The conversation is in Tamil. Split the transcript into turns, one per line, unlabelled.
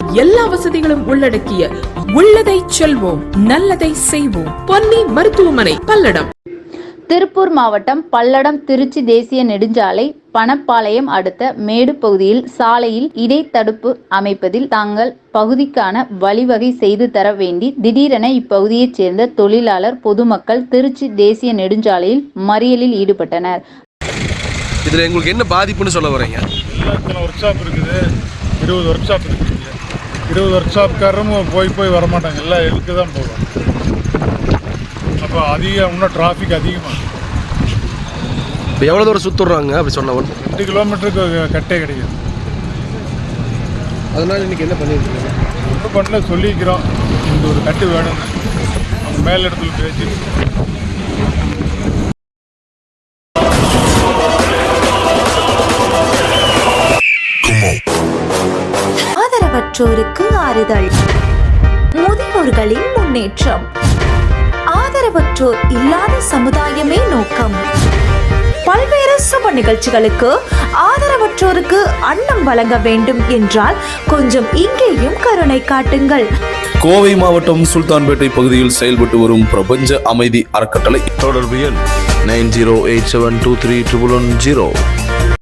எல்லா வசதிகளும் உள்ளடக்கிய உள்ளதை செல்வோம் நல்லதை செய்வோம் பொன்னி மருத்துவமனை பல்லடம்.
திருப்பூர் மாவட்டம் பல்லடம் திருச்சி தேசிய நெடுஞ்சாலை பணப்பாளையம் அடுத்த மேடு பகுதியில் சாலையில் இடைத்தடுப்பு அமைப்பதில் தாங்கள் பகுதிக்கான வழிவகை செய்து தர வேண்டி திடீரென இப்பகுதியைச் சேர்ந்த தொழிலாளர் பொதுமக்கள் திருச்சி தேசிய நெடுஞ்சாலையில் மறியலில் ஈடுபட்டனர்.
இதில் உங்களுக்கு என்ன பாதிப்புன்னு சொல்ல வரீங்க?
ஒர்க் ஷாப் இருக்குது, 20 ஒர்க் ஷாப் இருக்குது. 20 ஒர்க் ஷாப்காரரும் போய் வரமாட்டாங்க, எல்லாம் எடுக்க தான் போவாங்க. அப்போ இன்னும் டிராஃபிக் அதிகமாக.
இப்போ எவ்வளோ தூரம் சுற்றுறாங்க அப்படி சொன்ன
2 கிலோமீட்டருக்கு கட்டே கிடையாது.
அதனால் இன்றைக்கி என்ன பண்ணியிருக்கீங்க?
ஒன்றும் பண்ணல, சொல்லிக்கிறோம் இந்த ஒரு கட்டு வேணும்னு அவங்க மேல் இடத்துல பேசி.
ஆதரவற்றோருக்கு ஆறுதல், முதியோர்களின் முன்னேற்றம், ஆதரவற்றோர் இல்லாத சமுதாயமே நோக்கம். பல்வேறு சுப நிகழ்ச்சிகளுக்கு ஆதரவற்றோருக்கு அன்னம் வழங்க வேண்டும் என்றால் கொஞ்சம் இங்கேயும் கருணை காட்டுங்கள்.
கோவை மாவட்டம் சுல்தான்பேட்டை பகுதியில் செயல்பட்டு வரும் பிரபஞ்ச அமைதி அறக்கட்டளை.
தொடர்பு எண் 9087231110.